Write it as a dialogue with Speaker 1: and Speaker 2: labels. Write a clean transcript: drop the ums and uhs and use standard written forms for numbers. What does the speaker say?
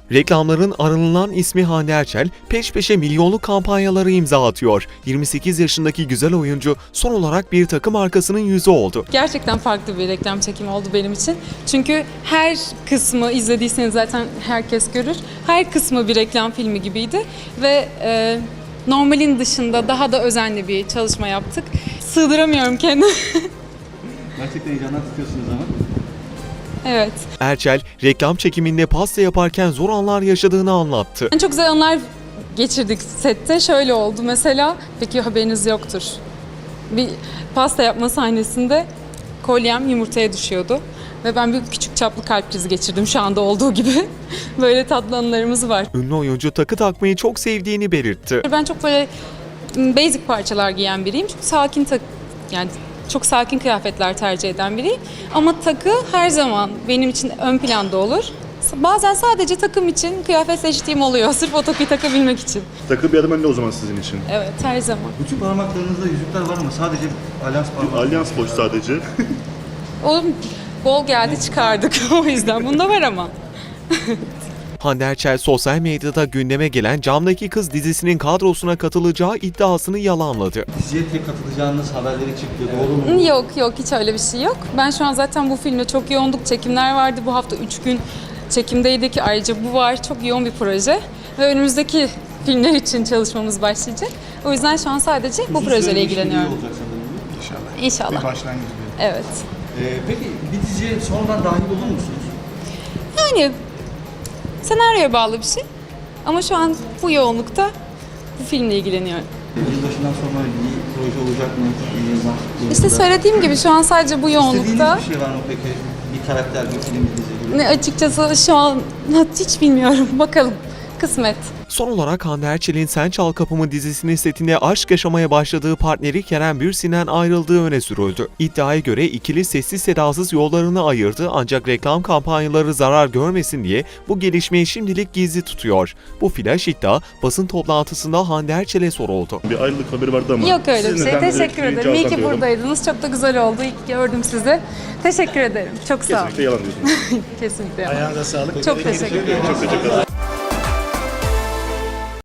Speaker 1: Reklamların aranılan ismi Hande Erçel, peş peşe milyonluk kampanyaları imza atıyor. 28 yaşındaki güzel oyuncu son olarak bir takım markasının yüzü oldu.
Speaker 2: Gerçekten farklı bir reklam çekimi oldu benim için. Çünkü her kısmı izlediyseniz zaten herkes görür. Her kısmı bir reklam filmi gibiydi ve normalin dışında daha da özenli bir çalışma yaptık. Sığdıramıyorum kendimi.
Speaker 3: Gerçekten heyecandan tutuyorsunuz ama.
Speaker 2: Evet.
Speaker 1: Erçel, reklam çekiminde pasta yaparken zor anlar yaşadığını anlattı.
Speaker 2: Çok güzel anlar geçirdik sette. Şöyle oldu mesela, peki haberiniz yoktur. Bir pasta yapma sahnesinde kolyem yumurtaya düşüyordu. Ve ben bir küçük çaplı kalp krizi geçirdim şu anda olduğu gibi. Böyle tatlı anılarımız var.
Speaker 1: Ünlü oyuncu takı takmayı çok sevdiğini belirtti.
Speaker 2: Ben çok böyle basic parçalar giyen biriyim. Çok sakin yani çok sakin kıyafetler tercih eden biriyim. Ama takı her zaman benim için ön planda olur. Bazen sadece takım için kıyafet seçtiğim oluyor. Sırf o takıyı takabilmek için.
Speaker 4: Takı bir adım önde o zaman sizin için.
Speaker 2: Evet, her zaman.
Speaker 3: Bütün parmaklarınızda yüzükler var ama sadece alyans parmağı.
Speaker 4: Alyans boş sadece.
Speaker 2: O bol geldi çıkardık o yüzden. Bunda var ama.
Speaker 1: Hande Erçel sosyal medyada gündeme gelen Camdaki Kız dizisinin kadrosuna katılacağı iddiasını yalanladı.
Speaker 3: Diziye tek katılacağınız haberleri çıktı. Doğru mu?
Speaker 2: Yok hiç öyle bir şey yok. Ben şu an zaten bu filmle çok yoğunduk. Çekimler vardı. Bu hafta 3 gün çekimdeydik. Ayrıca bu var. Çok yoğun bir proje. Ve önümüzdeki filmler için çalışmamız başlayacak. O yüzden şu an sadece bu projeyle ilgileniyorum.
Speaker 3: Olacak sanırım.
Speaker 2: İnşallah.
Speaker 4: Bir başlangıç bir.
Speaker 2: Evet.
Speaker 3: Peki bir diziye sonradan dahil olur musunuz?
Speaker 2: Yani senaryoya bağlı bir şey. Ama şu an bu yoğunlukta bu filmle ilgileniyorum.
Speaker 3: Yılbaşından sonra bir proje olacak mı?
Speaker 2: İşte söylediğim gibi şu an sadece bu yoğunlukta.
Speaker 3: İstediğiniz bir şey var mı peki? Bir karakter, bir film, bir dizi gibi.
Speaker 2: Ne açıkçası şu an hiç bilmiyorum. Bakalım. Kısmet.
Speaker 1: Son olarak Hande Erçel'in Sen Çal Kapımı dizisinin setinde aşk yaşamaya başladığı partneri Kerem Bürsin'den ayrıldığı öne sürüldü. İddiaya göre ikili sessiz sedasız yollarını ayırdı ancak reklam kampanyaları zarar görmesin diye bu gelişmeyi şimdilik gizli tutuyor. Bu flash iddia basın toplantısında Hande Erçel'e soruldu.
Speaker 4: Bir ayrılık haberi vardı ama.
Speaker 2: Yok öyle bir
Speaker 4: siz
Speaker 2: şey.
Speaker 4: neden böyle
Speaker 2: Teşekkür ederim. İyi ki buradaydınız. Çok da güzel oldu. İyi ki gördüm sizi. Teşekkür ederim. Çok sağ olun.
Speaker 4: Kesinlikle yalan diyorsunuz.
Speaker 2: Kesinlikle.
Speaker 5: Ayağınıza sağlık.
Speaker 2: Çok teşekkür ederim.
Speaker 4: Çok teşekkür ederim.